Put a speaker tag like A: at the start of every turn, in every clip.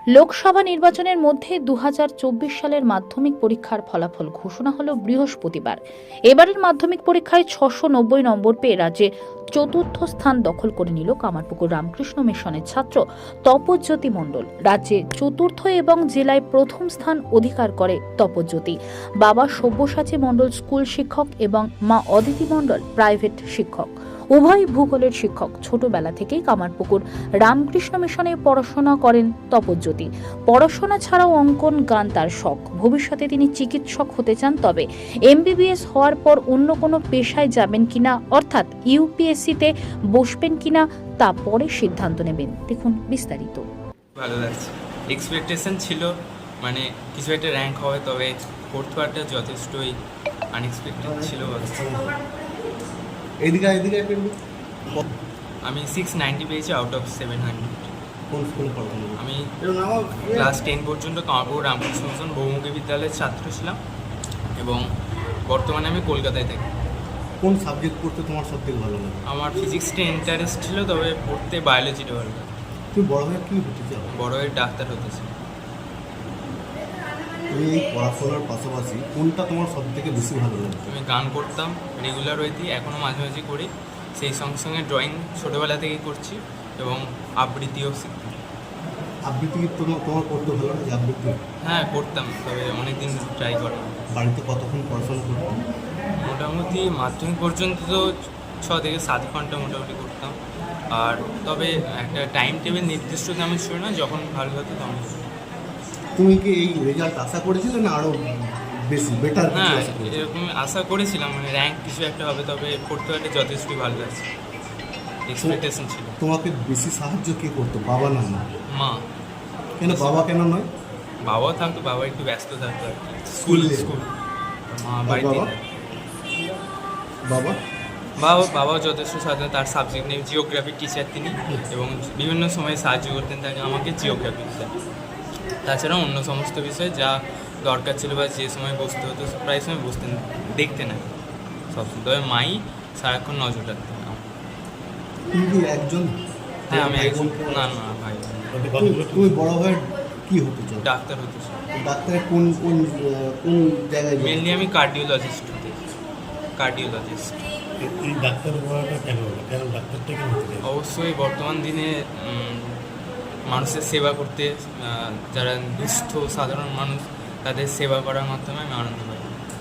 A: লোকসভা নির্বাচনের মধ্যে 2024 সালের মাধ্যমিক পরীক্ষার ফলাফল ঘোষণা হলো বৃহস্পতিবার। এবারের মাধ্যমিক পরীক্ষায় 690 নম্বর পেয়ে রাজ্যে চতুর্থ স্থান দখল করে নিল কামারপুকুর রামকৃষ্ণ মিশনের ছাত্র তপজ্যোতি মণ্ডল। রাজ্যে চতুর্থ এবং জেলায় প্রথম স্থান অধিকার করে তপজ্যোতি। বাবা সব্যসাচী মণ্ডল স্কুল শিক্ষক এবং মা অদিতি মণ্ডল প্রাইভেট শিক্ষক। উভয় ভূগোলের শিক্ষক। ছোটবেলা থেকেই কামারপুকুর রামকৃষ্ণ মিশনে পড়াশোনা করেন তপজ্যোতি। পড়াশোনা ছাড়াও অঙ্কন, গান তার শখ। ভবিষ্যতে তিনি চিকিৎসক হতে চান, তবে MBBS হওয়ার পর অন্য কোনো পেশায় যাবেন কিনা, অর্থাৎ UPSC-তে বসবেন কিনা তা পরে সিদ্ধান্ত নেবেন। দেখুন বিস্তারিত।
B: ভালো লাগছে। এক্সপেকটেশন ছিল মানে কিছু একটা র্যাঙ্ক হবে, তবে ফোর্থ পার্টটা যথেষ্টই আনএক্সপেক্টেড ছিল। আমি 690 পেয়েছি আউট অফ 700। আমি ক্লাস 10 পর্যন্ত কামারপুকুর রামকৃষ্ণ মিশন বহুমুখী বিদ্যালয়ের ছাত্র ছিলাম এবং বর্তমানে আমি কলকাতায় থাকি।
C: কোন সাবজেক্ট পড়তে তোমার সবথেকে ভালো লাগে?
B: আমার ফিজিক্সটা ইন্টারেস্ট ছিল, তবে পড়তে বায়োলজিটা ভালো লাগে।
C: তুমি বড় হয়ে কি হতে চাও?
B: বড় হয়ে ডাক্তার হতে চাই।
C: তুমি এই পড়াশোনার পাশাপাশি কোনটা তোমার সবথেকে বেশি ভালো লাগে?
B: আমি গান করতাম রেগুলার ওয়েতেই, এখনও মাঝে মাঝে করি। সেই সঙ্গে সঙ্গে ড্রয়িং ছোটোবেলা থেকেই করছি এবং আবৃত্তিও শিখতাম।
C: আবৃত্তি তোমার করতে ভালো লাগে? আবৃত্তি
B: হ্যাঁ করতাম, তবে অনেকদিন ট্রাই করা।
C: বাড়িতে কতক্ষণ পড়াশোনা করতাম?
B: মোটামুটি মাধ্যমিক পর্যন্ত তো 6 থেকে 7 ঘন্টা মোটামুটি করতাম। আর তবে একটা টাইম টেবিল নির্দিষ্ট তেমন ছিল না, যখন ভালো হতো তখন।
C: তুমি কি এই রেজাল্ট আশা করেছিলে না আরও বেশি বেটার?
B: হ্যাঁ, এরকম আশা করেছিলাম, মানে র্যাঙ্ক কিছু একটা হবে, তবে পড়তে পারলে যথেষ্টই ভালো লাগছে। এক্সপেকটেশন ছিল।
C: তোমাকে বেশি সাহায্য কে করতো, বাবা না মা?
B: মা।
C: কেন বাবা কেন নয়?
B: বাবাও থাকতো, বাবা একটু ব্যস্ত থাকতো আর কি, স্কুল। মা বাড়িতে।
C: বাবা
B: বাবাও যথেষ্ট সাথে, তার সাবজেক্ট নেই জিওগ্রাফির টিচার তিনি, এবং বিভিন্ন সময় সাহায্য করতেন তাকে, আমাকে জিওগ্রাফি টিচার। তাছাড়া অন্য সমস্ত বিষয়ে যা দরকার ছিল বা যে সময় বসতে হতো প্রায় সময় বসতেন, দেখতেন না সবসময়, তবে মাই সারাক্ষণ নজর রাখতেন।
C: একজন?
B: হ্যাঁ আমি একজন। না ভাই।
C: তুমি বড় হয়ে কি হতে চাও?
B: ডাক্তার হতে চাই।
C: ডাক্তারের কোন কোন কোন জায়গায়?
B: মেনলি আমি কার্ডিওলজিস্ট হতে চাই। কার্ডিওলজিস্ট।
C: এই ডাক্তার হওয়াটা কেন ডাক্তারটা কেন হতে চাই?
B: অবশ্যই বর্তমান দিনে মানুষের সেবা করতে, যারা দুস্থ সাধারণ মানুষ তাদের সেবা করার মাধ্যমে আমি আনন্দ পাই।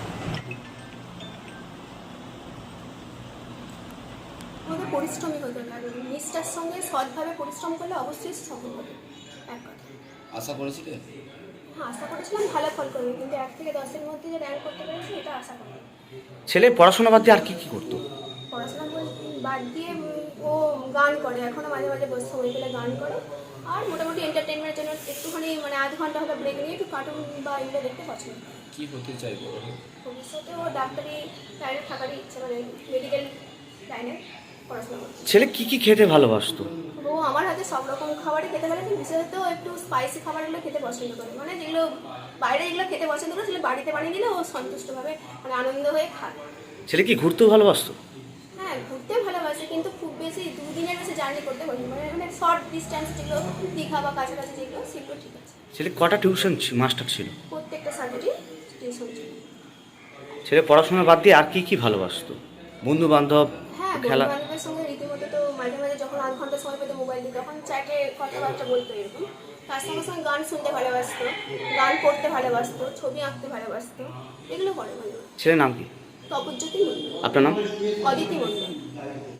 D: আমাদের পরিশ্রমী হতে হবে, নিষ্ঠার সঙ্গে সৎভাবে পরিশ্রম করলে অবশ্যই সফল হবে। এক কথা
E: আশা করেছিলে?
D: হ্যাঁ, আশা করেছিলাম ভালো ফল করবে, কিন্তু 1 থেকে 10-এর মধ্যে যে র্যাঙ্ক করতে পেরেছি এটা আশা করি।
E: ছেলে পড়াশোনা বাদ দিয়ে আর কি করতো?
D: পড়াশোনা বাদ দিয়ে ও গান করে, এখনও মাঝে মাঝে বসে সময় পেলে গান করে। আর মোটামুটি এন্টারটেনমেন্টের জন্য একটুখানি মানে আধ ঘন্টা হলে ব্রেক নিয়ে একটু কার্টুন বা এগুলো দেখতে পছন্দ করে।
E: কি হতে চাইবো?
D: ভবিষ্যতে ও ডাক্তারি লাইনে থাকারই ইচ্ছে, মানে মেডিকেল লাইনে পড়াশোনা করছে।
E: ছেলে কি খেতে ভালোবাসতো?
D: ও আমার হাতে সব রকম খাবারই খেতে পারে, কিন্তু বিশেষত একটু স্পাইসি খাবারগুলো খেতে পছন্দ করে, মানে যেগুলো বাইরে যেগুলো খেতে পছন্দ করে সেগুলো বাড়িতে বানিয়ে দিলে ও সন্তুষ্টভাবে মানে আনন্দ হয়ে খায়।
E: ছেলে কি ঘুরতেও ভালোবাসতো?
D: হ্যাঁ, ঘুরতে ভালোবাসে, কিন্তু খুব বেশি 2 দিনের বেশি জার্নি করতে পারি, মানে শর্ট ডিস্টেন্স যেগুলো দীঘা বা কাছাকাছি যেগুলো সেগুলো ঠিক আছে।
E: ছেলে কটা টিউশন মাস্টার ছিল?
D: প্রত্যেকটা সাবজেক্টই টিউশন ছিল।
E: ছেলে পড়াশোনা বাদ দিয়ে আর কি ভালোবাসতো? বন্ধু বান্ধব,
D: হ্যাঁ,
E: খেলা?
D: বন্ধু বান্ধবের সঙ্গে রীতিমতো তো মাঝে মাঝে যখন আধ ঘন্টা সময় পেতো মোবাইল দিয়ে, তখন চ্যাটে কথাবার্তা বলতো এরকম। তার সঙ্গে সঙ্গে গান শুনতে ভালোবাসতো, গান করতে ভালোবাসতো, ছবি আঁকতে ভালোবাসতো, এগুলো করে ভালোবাসতো।
E: ছেলের নাম কি?
D: তপজ্যোতি মণ্ডল।
E: আপনার নাম?
D: অদিতি মণ্ডল।